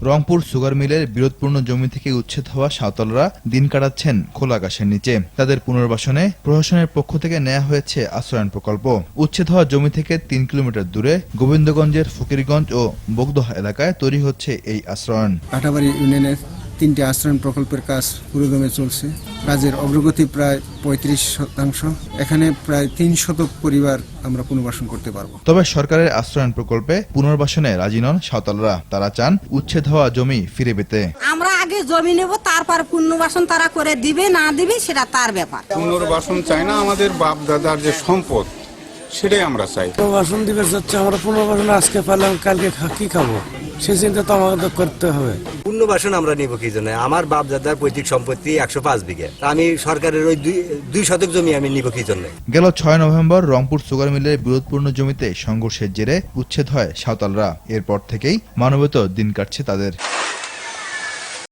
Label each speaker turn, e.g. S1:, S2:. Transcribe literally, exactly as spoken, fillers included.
S1: Rangpur sugar মিলের বিরোধপূর্ণ জমি থেকে উচ্ছেদ হওয়া সাঁওতালরা দিন কাটাচ্ছেন খোলা আকাশের নিচে। তাদের পুনর্বাসনে প্রশাসনের পক্ষ থেকে নেওয়া হয়েছে আশ্রয়ণ প্রকল্প। উচ্ছেদ হওয়া জমি থেকে তিন কিলোমিটার দূরে গোবিন্দগঞ্জের ফকিরগঞ্জ ও বগদহ এলাকায় তৈরি হচ্ছে এই আশ্রয়ণ।
S2: কাটাবাড়ি ইউনিয়নের তিনটি আশ্রয়ণ প্রকল্পের কাজ পুরোদমে চলছে। কাজের অগ্রগতি প্রায় পঁয়ত্রিশ শতাংশ। এখানে প্রায় তিন শতক পরিবার আমরা পুনর্বাসন করতে পারবো।
S1: তবে সরকারের আশ্রয়ণ প্রকল্পে পুনর্বাসনে রাজি নন সাঁওতালরা। তারা চান উচ্ছেদ হওয়া জমি ফিরে পেতে।
S3: আমরা আগে জমি নেব, তারপর পুনর্বাসন তারা করে দিবে না দিবে সেটা তার ব্যাপার।
S4: পুনর্বাসন চাই না, আমাদের বাপ দাদার যে সম্পদ সেটাই আমরা চাই।
S5: পুনর্বাসন দিবে যাচ্ছে, আমরা পুনর্বাসন আজকে পেলাম, কালকে কি খাবো সে চিন্তা তো আমাদের করতে হবে।
S6: পুনর্বাসন আমরা নিব কি জন্য? আমার বাপ দাদার পৈতৃক সম্পত্তি একশো পাঁচ বিঘে, আমি সরকারের ওই দুই শতক জমি আমি নিব কি জন্য?
S1: গেল ছয় নভেম্বর রংপুর সুগার মিলের বিরোধপূর্ণ জমিতে সংঘর্ষের জেরে উচ্ছেদ হয় সাঁওতালরা। এরপর থেকেই মানবেতর দিন কাটছে তাদের।